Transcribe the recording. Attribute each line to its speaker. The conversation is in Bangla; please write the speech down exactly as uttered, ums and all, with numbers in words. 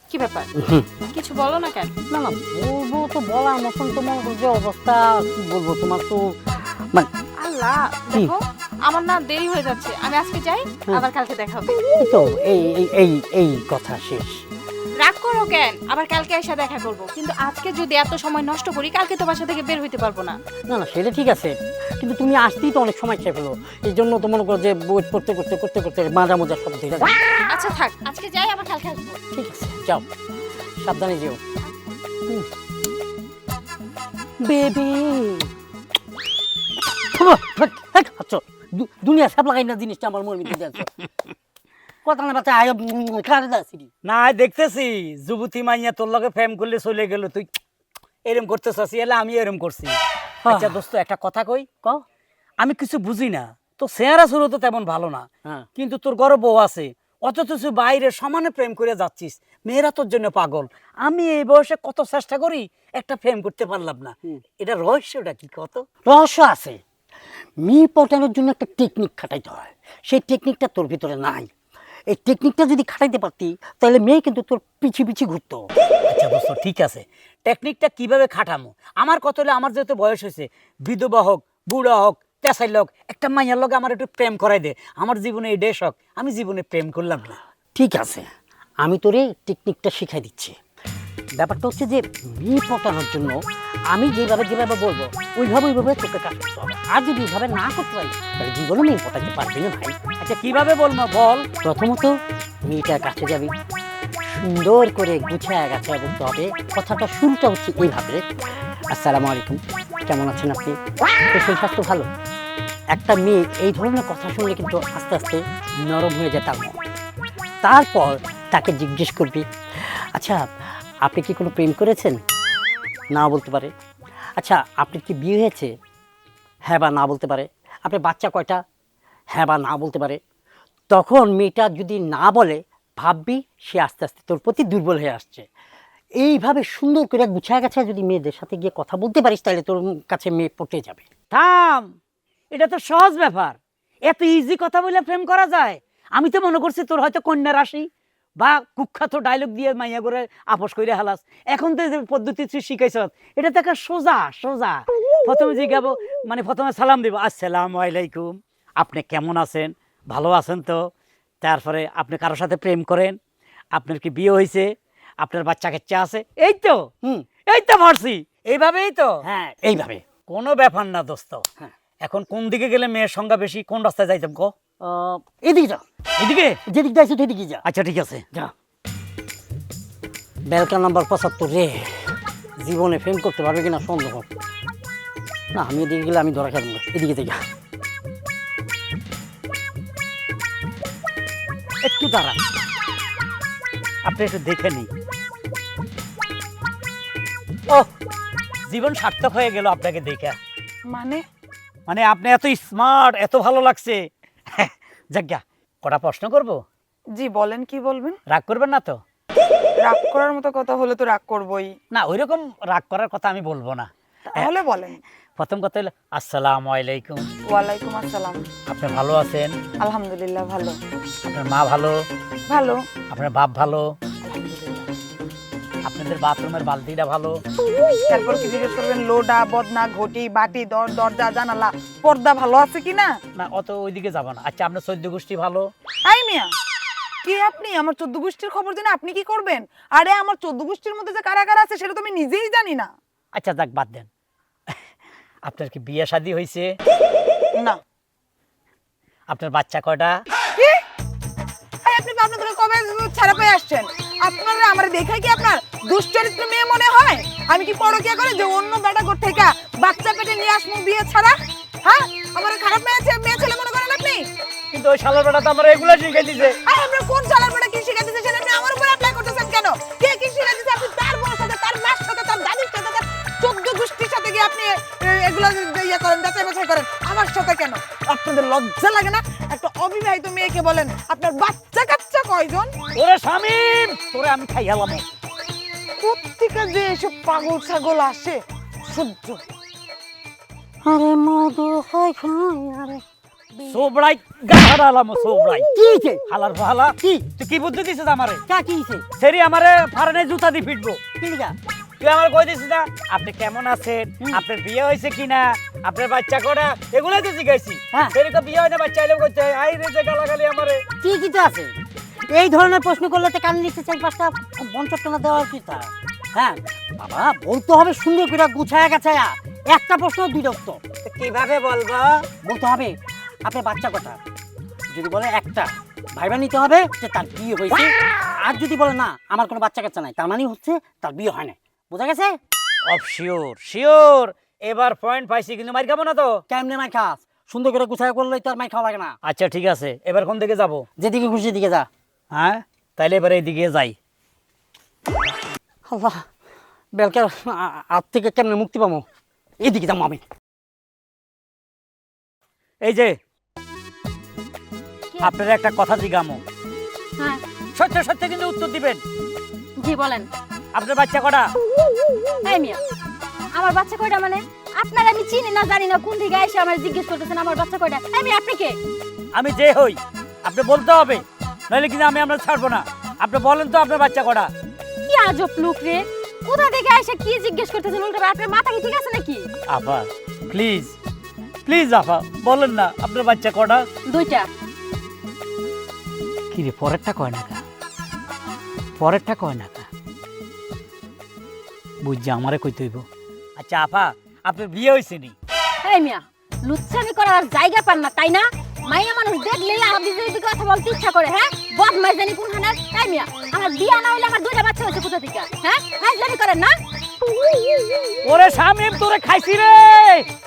Speaker 1: কি ব্যাপার? কিছু বলো না কেন?
Speaker 2: না না বলবো তো বলার মতন তোমার যে অবস্থা কি বলবো তোমার তো মানে
Speaker 1: আল্লাহ, দেখো আমার না দেরি হয়ে যাচ্ছে, আমি আজকে যাই, আবার কালকে দেখা হবে।
Speaker 2: এই তো এই এই- এই এই কথা শেষ।
Speaker 1: রাগ করো কেন? আবার কালকে এসে দেখা করব, কিন্তু আজকে যদি এত সময় নষ্ট করি কালকে তো বাসা থেকে বের হইতে পারবো না।
Speaker 2: না না সেটা ঠিক আছে, কিন্তু তুমি আসতেই তো অনেক সময় খেয়ে ফেলো, এই জন্য তো মনে করো যে ওয়েট করতে করতে করতে করতে মাজা মোজা সব ঠিক আছে।
Speaker 1: আচ্ছা থাক, আজকে যাই, আবার কালকে আসবো।
Speaker 2: ঠিক আছে যাও, সাবধানে যেও বেবি। দুনিয়া সব লাগাই না জিনিসটা আমার মনে মিটে যাচ্ছে কথা না বাচ্চা আয় কারে যাচ্ছি
Speaker 3: না দেখতেছি যুবতী মাইয়া তোর লগে প্রেম করলে চলে গেল, তুই এরম করতে চাচ্ছি, এলে আমি এরম করছি। আচ্ছা দোস্ত একটা কথা কই,
Speaker 2: ক
Speaker 3: আমি কিছু বুঝি না, তো চেহারা শুরু তো তেমন ভালো না,
Speaker 2: হ্যাঁ
Speaker 3: কিন্তু তোর ঘরে বউ আছে, অথচ তুই বাইরে সমানে প্রেম করে যাচ্ছিস, মেয়েরা তোর জন্য পাগল। আমি এই বয়সে কত চেষ্টা করি একটা প্রেম করতে পারলাম না, এটা রহস্যটা কি কত?
Speaker 2: রহস্য আছে। মেয়ে পটানোর জন্য একটা টেকনিক খাটাইতে হয়, সেই টেকনিকটা তোর ভিতরে নাই। এই টেকনিকটা যদি খাটাইতে পারতি তাহলে মেয়ে কিন্তু তোর পিছি পিছি ঘুরতো।
Speaker 3: আচ্ছা দোস্ত ঠিক আছে, টেকনিকটা কিভাবে খাটামো? আমার কত হলে, আমার যেহেতু বয়স হয়েছে, বিধবা হোক বুড়া হোক পেশাই লোক, একটা মাইয়ার লোক আমার একটু প্রেম করাই দে, আমার জীবনে এই দেশ হোক, আমি জীবনে প্রেম করলাম না।
Speaker 2: ঠিক আছে, আমি তোরে টেকনিকটা শিখাই দিচ্ছি। ব্যাপারটা হচ্ছে যে মেয়ে পটানোর জন্য আমি যেভাবে যেভাবে বলবো ওইভাবে ওইভাবে তোকে কাজ করতে হবে। আর যদি ওইভাবে না করতে পারি তাহলে জীবনে মেয়ে পটাতে পারবি না ভাই।
Speaker 3: আচ্ছা কিভাবে বলবো বল?
Speaker 2: প্রথমত মেয়েটার কাছে যাবি, সুন্দর করে গুছায় গাছায় বলতে হবে। কথাটা শুরুটা হচ্ছে এইভাবে, আসসালামু আলাইকুম, কেমন আছেন আপনি, তো সেই স্বাস্থ্য ভালো। একটা মেয়ে এই ধরনের কথা শুনলে কিন্তু আস্তে আস্তে নরম হয়ে যায় তার মন। তারপর তাকে জিজ্ঞেস করবি, আচ্ছা আপনি কি কোনো প্রেম করেছেন? না বলতে পারে। আচ্ছা আপনার কি বিয়ে হয়েছে? হ্যাঁ বা না বলতে পারে। আপনার বাচ্চা কয়টা? হ্যাঁ বা না বলতে পারে। তখন মেয়েটা যদি না বলে ভাববি সে আস্তে আস্তে তোর প্রতি দুর্বল হয়ে আসছে। এইভাবে সুন্দর করে গুছায় গেছে যদি মেয়েদের সাথে গিয়ে কথা বলতে পারিস তাহলে তোর কাছে মেয়ে পটে যাবে।
Speaker 3: থাম, এটা তো সহজ ব্যাপার, এত ইজি কথা বলে প্রেম করা যায়? আমি তো মনে করছি তোর হয়তো কন্যা রাশি বা কুখ্যাত ডায়লগ দিয়ে মাইয়া করে আপোষ করে হালাস। এখন তো যে পদ্ধতি তুই শিখাইছ এটা তো একটা সোজা সোজা। প্রথমে জিজ্ঞাবো, মানে প্রথমে সালাম দিব, আসসালামু আলাইকুম, আপনি কেমন আছেন, ভালো আছেন তো? তারপরে আপনি কারোর সাথে প্রেম করেন, আপনার কি বিয়ে হয়েছে, আপনার বাচ্চা কাচ্চা আছে, এই তো
Speaker 2: হুম
Speaker 3: এই তো পারছি, এইভাবেই তো।
Speaker 2: হ্যাঁ এইভাবে।
Speaker 3: কোনো ব্যাপার না দোস্ত।
Speaker 2: হ্যাঁ।
Speaker 3: এখন কোন দিকে গেলে মেয়ের সংখ্যা বেশি, কোন রাস্তায় যাইতাম গো?
Speaker 2: আহ, এদিকে যা,
Speaker 3: এদিকে?
Speaker 2: যেদিক যাইছো সেদিকে যা।
Speaker 3: আচ্ছা ঠিক আছে।
Speaker 2: যা। বেলকা নাম্বার পঁচাত্তর রে, জীবনে ফেম করতে পারবে কিনা সন্দেহ। না আমি এদিকে গেলে আমি ধরা খাবো, এদিকে থেকে
Speaker 3: একটু দাঁড়ান, আপনি একটু দেখে নিন। ও, জীবন সার্থক হয়ে গেল আপনাকে দেখে।
Speaker 1: মানে
Speaker 3: মানে আপনি এত স্মার্ট, এত ভালো লাগছে। যাজ্ঞা, কটা প্রশ্ন করব?
Speaker 4: জি বলেন, কি বলবেন?
Speaker 3: রাগ করবেন না তো?
Speaker 4: রাগ করার মতো কথা হলে তো রাগ করবই।
Speaker 3: না ওইরকম রাগ করার কথা আমি বলবো না।
Speaker 4: তাহলে বলেন।
Speaker 3: প্রথম কথা হলো আসসালামু আলাইকুম,
Speaker 4: ওয়ালাইকুম আসসালাম।
Speaker 3: আপনি ভালো আছেন?
Speaker 4: আলহামদুলিল্লাহ ভালো।
Speaker 3: আপনার মা ভালো?
Speaker 4: ভালো।
Speaker 3: আপনার বাপ ভালো?
Speaker 4: আলহামদুলিল্লাহ।
Speaker 3: আপনাদের বাথরুমের বালতিটা ভালো?
Speaker 4: তারপর কি জিজ্ঞেস করবেন? লোডা বদনা ঘটি বাটি দর দরজা জানালা পর্দা ভালো আছে কিনা?
Speaker 3: না অত ওইদিকে যাব না। আচ্ছা আপনার চৈদ্দ গোষ্ঠী ভালো?
Speaker 4: আই মিয়া, কি আপনি আমার চোদ্দ গোষ্ঠীর খবর জেনে আপনি কি করবেন? আরে আমার চোদ্দ গোষ্ঠীর মধ্যে যে কারা কারা আছে সেটা তো আমি নিজেই জানি না।
Speaker 3: আচ্ছা যাক বাদ দেন। আপনার কি বিয়ে শাদী হয়েছে?
Speaker 4: না।
Speaker 3: আপনার বাচ্চা কয়টা?
Speaker 4: কি? এই আপনি আপনাদের কবে ছাড়া পেয়ে আসছেন? আপনারা আমার দেখাই কি আপনার দুশ্চরিত্র মেয়ে মনে হয়? আমি কি পরকিয়া করে যে অন্য বেটা ঘর থেকে বাচ্চা পেটে নিয়ে আসবো বিয়ে ছাড়া? হ্যাঁ, আমার খারাপ মেয়ে ছে- মেয়ে ছেলে মনে করেন আপনি?
Speaker 3: কিন্তু ওই শালার বেটা তো আমার এগুলো শিখাই দিছে।
Speaker 4: আর আপনার কোন চালার বেটা কি শিখা দিতেছে সেটা আপনি আমার উপর অ্যাপ্লাই করতেছেন কেন? কে কি শিখা দিতেছে? আপনি তার বউর সাথে, তার মার সাথে, তার দাদির সাথে, তার চোদ্দ গোষ্ঠীর সাথে গিয়ে আপনি এ, এগুলো ইয়ে করেন, যাচাই বাছাই করেন। আমার সাথে কেন? আপনাদের লজ্জা লাগে না? একটা অবিবাহিত মেয়েকে বলেন আপনার বাচ্চা কাচ্চা কয়জন?
Speaker 3: ওরে শামিম, তোরে আমি খাই হেলাম।
Speaker 4: প্রত্যেকে যে এসব পাগল ছাগল আসে সহ্য।
Speaker 2: আরে মধু হয় খাই আরে
Speaker 3: সোবড়াই গাহার আলাম সোবড়াই
Speaker 2: কি হইছে
Speaker 3: হালার ফালা
Speaker 2: কি
Speaker 3: তুই কি বুদ্ধি দিছিস আমারে
Speaker 2: কা কি হইছে
Speaker 3: সেরি আমারে ফারানে জুতা দি ফিটবো
Speaker 2: কি লিগা
Speaker 3: তুই আমার কই দিছিস না আপনি কেমন আছেন আপনার বিয়ে হয়েছে কিনা আপনার বাচ্চা করা এগুলাই তো জিজ্ঞাসি
Speaker 2: হ্যাঁ।
Speaker 3: সেরি তো বিয়ে হয় না বাচ্চা এলেও করতে হয় আই রে যে গালাগালি আমারে
Speaker 2: কি কিছু আছে এই ধরনের প্রশ্ন করলে তো কান নিচে চার পাঁচটা বঞ্চনা দেওয়ার কি তা হ্যাঁ বাবা বলতে হবে সুন্দর করে গুছায়া গাছায়া একটা প্রশ্ন দুইটা উত্তর
Speaker 3: কিভাবে বলবো
Speaker 2: বলতে হবে আপনার বাচ্চা কথা যদি বলে একটা ভাইবা নিতে হবে যে তার বিয়ে হয়েছে আর যদি বলে না আমার কোনো বাচ্চা কাচ্চা নাই তার মানে হচ্ছে তার বিয়ে হয় না বোঝা গেছে
Speaker 3: অফ শিওর শিওর এবার পয়েন্ট পাইছি কিন্তু মার খাবো না তো
Speaker 2: কেমনে মাই খাস সুন্দর করে গুছায়া করলেই তো আর মাই খাওয়া লাগে না
Speaker 3: আচ্ছা ঠিক আছে এবার কোন দিকে যাব
Speaker 2: যেদিকে খুশি দিকে যা
Speaker 3: হ্যাঁ তাইলে এবার এইদিকে যাই
Speaker 2: আল্লাহ বেলকে হাত থেকে কেমনে মুক্তি পাবো এদিকে যাবো আমি
Speaker 3: এই যে আপনার একটা কথা জিগামো
Speaker 1: হ্যাঁ
Speaker 3: সত্য সত্য কিন্তু উত্তর দিবেন
Speaker 1: জি বলেন।
Speaker 3: আপনার বাচ্চা কটা
Speaker 1: এই মিয়া আমার বাচ্চা কয়টা মানে আপনার আমি চিনি না জানি না কোন দিকে এসে আমার জিজ্ঞেস করতেছেন আমার বাচ্চা কয়টা এই মিয়া আপনি কে
Speaker 3: আমি যে হই আপনি বলতে হবে নাহলে কিন্তু আমি আমরা ছাড়বো না আপনি বলেন তো আপনার বাচ্চা কটা
Speaker 1: কি আজব লোক রে কোথা থেকে এসে কি জিজ্ঞেস করতেছেন উল্টো আপনার মাথা কি ঠিক আছে নাকি
Speaker 3: আপা প্লিজ প্লিজ আপা বলেন না আপনার বাচ্চা কটা
Speaker 1: দুইটা
Speaker 3: কি রে পরেরটা কয় না কা পরেরটা কয় না কা বুঝছি আমারে কইতে হইব আচ্ছা আপা আপনার বিয়ে হয়েছে নি
Speaker 1: এই মিয়া লুচ্ছামি করার আর জায়গা পান না তাই না মাইয়া মানুষ দেখলেই আপনি যদি কথা বলতে ইচ্ছা করে হ্যাঁ বদমাইশ জানি কোনখানে এই মিয়া আমার বিয়া না হইলে আমার দুইটা বাচ্চা হয়েছে কোথা থেকে হ্যাঁ হাজলামি করেন না
Speaker 3: ওরে শামিম তোরে খাইছি রে